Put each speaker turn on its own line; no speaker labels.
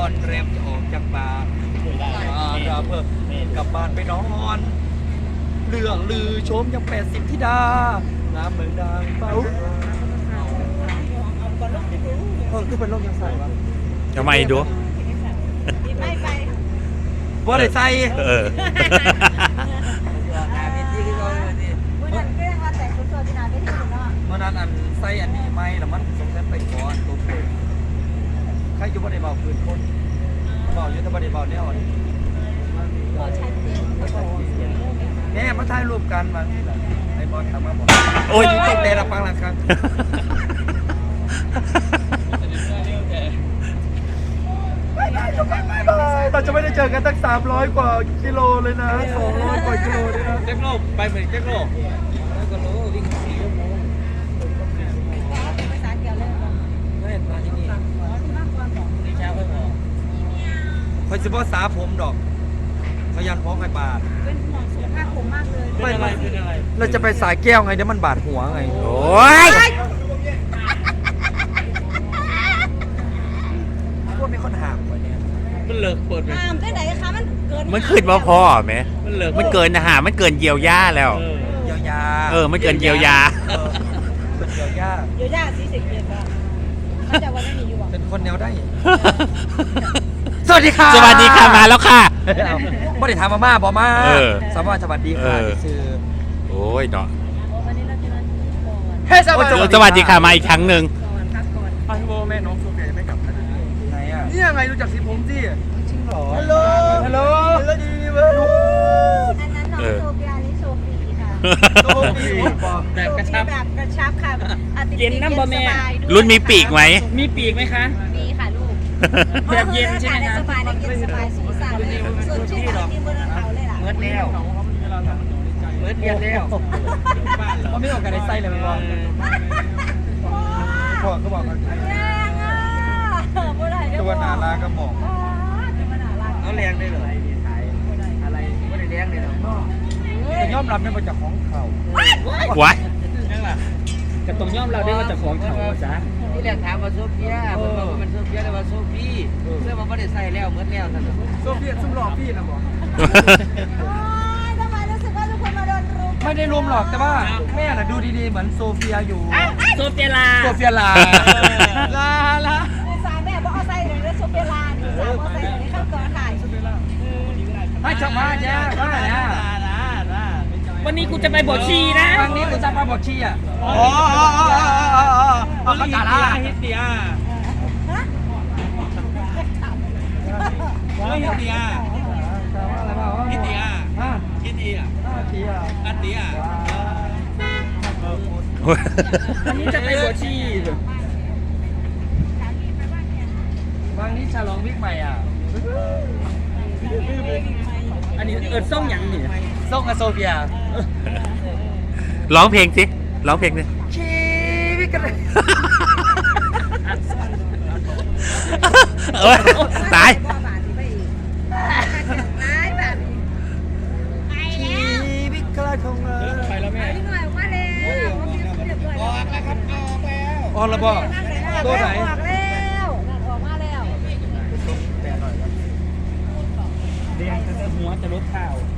อนแรมจะออกจากป่าเราเพิ่มกลับบ้านไปนอนเรื่องลือโชมยัง80ธิดางามเมืองดังเป้าคือเป็นโรคยังใส่ปะ
ทำไมดู
ไม่ไป
ว่าได้ใส่
เออ
วันนั้นก็ยังมาแต่งชุดโซจินาไม่ถึงเนาะ
เมื่อนั้นอันใส่อันนี้ไม่แล้วมันสงสัยไปก่อนตัวเปนใครอยู่บ่ได้เบาคืนคนเบาอยู่แต่บ่ได้เบาแนวอันนี้
พอชัดเจน
แม่มาถ่ายรูปกันมาไอ้บอลทำมาบอก
โอ้ย
ตกแต่ละปังละครั้งเราจะไม่ได้เจอกันตั้ง300 กว่ากิโลเลยนะ200 กว่ากิโลเลยนะเจ๊กโลไปเหมือนเจ๊กโลก็รู้วิ่ง4 ชั่วโมง
ภาษาเกี่ยวเลย
ไม่เห็นมาที่นี่
มากกว่าของ
ในเช้าไม่พอคอยสิบ่สาผมดอกขยันพอใครบาด
เป็นห่วงสุขภาพผมมากเลย
ไม่เราจะไปสายแก้วไงเดี๋ยวมันบาดหัวไง
โอ้ย
พวกมีคนห่างกว่านี้
มันเลิกเปิดไหม
ตามได้ไหนคะมันเกิน
มันขึ้นมาพอไหม
มันเลิก
มันเกินอาหารมันเกินเยียวยาแล้ว
เยียวยา
มันเกินเยียวยา
เป็นเยียวยา
เดี๋ยวย่าสีเสกเกียรติมันจะวันนี้อยู่อ่ะ
เป็นคนแนวได้ สวัสดีค่ะ
สวัสดีค่ะมาแล้วค่ะ
ไม่ได้ถามมาม่าบอมา
เออ
สวัสดีค่ะที่ซื้อ
โอ้ยเนาะ
วันนี้เราจะนอนก่อน
เฮ้ยสวัสดี
สวัสดีค่ะมาอีกครั้งหนึ่ง
ก่อนพักก่อน
พันโบแม่น้องโซเฟียยังไม่กลับนะไหนอ่ะนี่ยังไงรู้จักสีผมสิจริงเหรอฮัลโหลฮัลโหลฮัลโหลดีเว้ย
อันนั้นน้องโซเฟียอันนี้โซฟีค่ะ
โซฟี
แบบกระชับ
แบบกระชับค่ะ
เย็นน้ำบะแม่
รุ่นมีปีกไหม
มีปีกไหมคะ
มีค่ะลูก
แบบเย็นใช่ไหมคะ
สบายเย็นสบายสูงสามส่วนชื่อของที่บนเขาเลยล่ะ
เมิดแล้วเมิดเรียนแล้วเขาไม่ออกกันในไส้เลยมันบอกพ่อก็บอกกัน
แรงอ่ะบ่ได้
ตัวนาลาก็บอก
ตัวนาลา
เขาแรงได้เลยอะไรไม่ได้แรงเลยหรอกแต่ยอมรับได้มาจากของเขา
วะ
นั่นแหละกระตรงย่อมเราได้มาจากของเขาจ้ะ
ที่แรกถามว่าโซเฟียผมบอกว่าเป็นโซเฟียเลยว่าโซฟีเสื้อมันไม่ได้ใส่แล้วเหมือนแล้วท่าน
โซเฟียซุ่มหลอกพี่นะบอก
ทำไมรู้สึกว่าทุกคนมาโดนรุม
ไม่ได้รุมหรอกแต่ว่าแม่น่ะดูดีๆเหมือนโซเฟียอยู่
โซเฟียลา
โซเฟียลาลา
สายแม่บอกเอาใส่เลยโซเฟียลานี่สาวเอาใส่เลยเข้าก่อนถ่าย
ให้จับมาแจ้ว่าไงอ่ะ
วันนี้กูจะไปบวชชีนะ
ครั้งนี้คุณจะมาบอกชี้อ่ะ
อ๋อ
เอาเขาจ่าละ
ฮิตเดีย
ฮะ
ไม่ฮิตเดีย
อะไรบ้าง
ฮิตเดีย
ฮะ
ฮิตเดีย
เตีย
อันเดีย วันนี้จะไปบวชชี
บางนี้ฉลองวิกใหม่อ่ะ
อันนี้ส่งหยังนี่
ส่งกับโซเฟีย
ร้องเพลงสิร้องเพลงสิ
ชีวิตกันเลย
เอ้ยตาย
ชีวิตกระทงเลย
ไปแล้วแม่
หน่อยมาแล้วเรียบร้อย
ออกแล้วครับออกแล้ว
ออนระบอกตัวไหน
ออกแล้วออกมาแล้ว
แต่หน่อยครับ
เรียนหัวจะลดข่าว